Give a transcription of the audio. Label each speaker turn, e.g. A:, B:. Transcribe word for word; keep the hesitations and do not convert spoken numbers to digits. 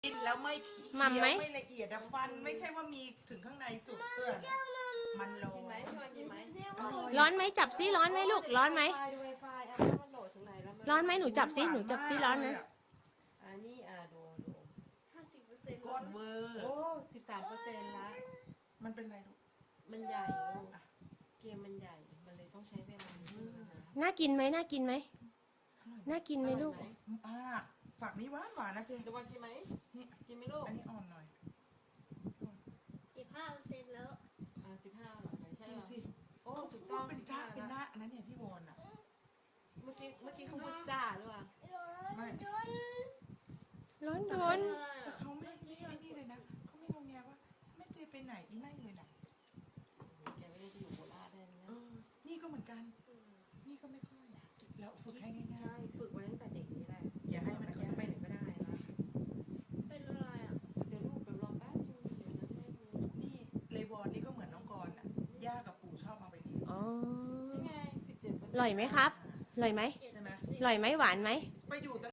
A: กินแล้วไม่เคี้
B: หม่ำไหม
A: ยวไม่ละเอียดอะฟันไม่ใช่ว่ามีถึงข้างในสุดเตื้อนมันโล
C: กินไหมพี่วันกินไหม
A: อร่อย
B: ร้อนไหมจับซิร้อนไหมลูกร้อนไหม
C: ดูไวไฟอ่ะมันโหลดถึงไหนแล้ว
B: ร้อนไหมหนูจับซิหนูจับซิร้อนไหม
C: อ่านี่อ่าดูดู
D: ห้าสิบเปอร์เซ็นต์
A: ก้อนเวอร์
C: โอ้สิบสามเปอร์เซ็นต์ละ
A: มันเป็นไรลูก
C: มันใหญ่ลูกเกมมันใหญ่มันเลยต้องใช้เวลานิดนึงนะคะ
B: น่ากินไหมน่ากินไหมน่ากินไหมลูก
A: อ่าฝากนี้หวานหวานนะเจ
C: เดี๋ยววันกินไหม
A: นี่
C: กินไหมลูก
A: อันนี้อ่อนหน่อย
D: สิบห้าเปอร์เซ็นต์แล้ว
C: อ่าสิบห้าหรอใช่
A: ดู
C: หรอ
A: สิ
C: โอ้
A: เขา
C: ถูก
A: พู
C: ต้อ
A: ด
C: ง
A: เป็น
C: สิบ
A: จ้า
C: ห้า
A: เป็นห
C: ละ
A: น้าอันนั้นเนี่ยพี่วอนอะ
C: เมื่อกี้เมื่อกี้เขาพูดจ้าหรือเปล่า
A: ไม่
B: ร้อน
A: แต่
B: ร้อน
A: แต่เขาไม่ไม่ไอ้นี่เลยนะเขาไม่งงแงว่าแม่เจไปไหนอีไม่เลยนะ
C: แกไม่ได้จะอยู่โคราชได้นะ
A: เออนี่ก็เหมือนกัน นี่ก็ไม่ค่อยแล้วฝึกให้ง่าย
C: ใช่ฝึกไว้ตั้งแต่เด็กนี่แหละ
A: ๆอย่าให้มัน
C: เขาจะไปไหนก็ได้นะ
D: เป็นอะไรอ่ะ
C: เดี๋ยวลูกเดี๋ยวรอแป๊บนึงเดี๋ยวนะแม่ดู
A: นี่เลวอนนี่ก็เหมือนน้องกรณ์อ่ะย่ากับปู่ชอบเอาไปเลี้ยง
B: อ๋อ
C: นี่ไงสิบเจ็ดเปอร์เซ็นต์
B: อร่อยไหมครับอร่อยไหม
A: ใช่ไหม
B: อร่อยไหมหวานไหม
A: ไปอยู่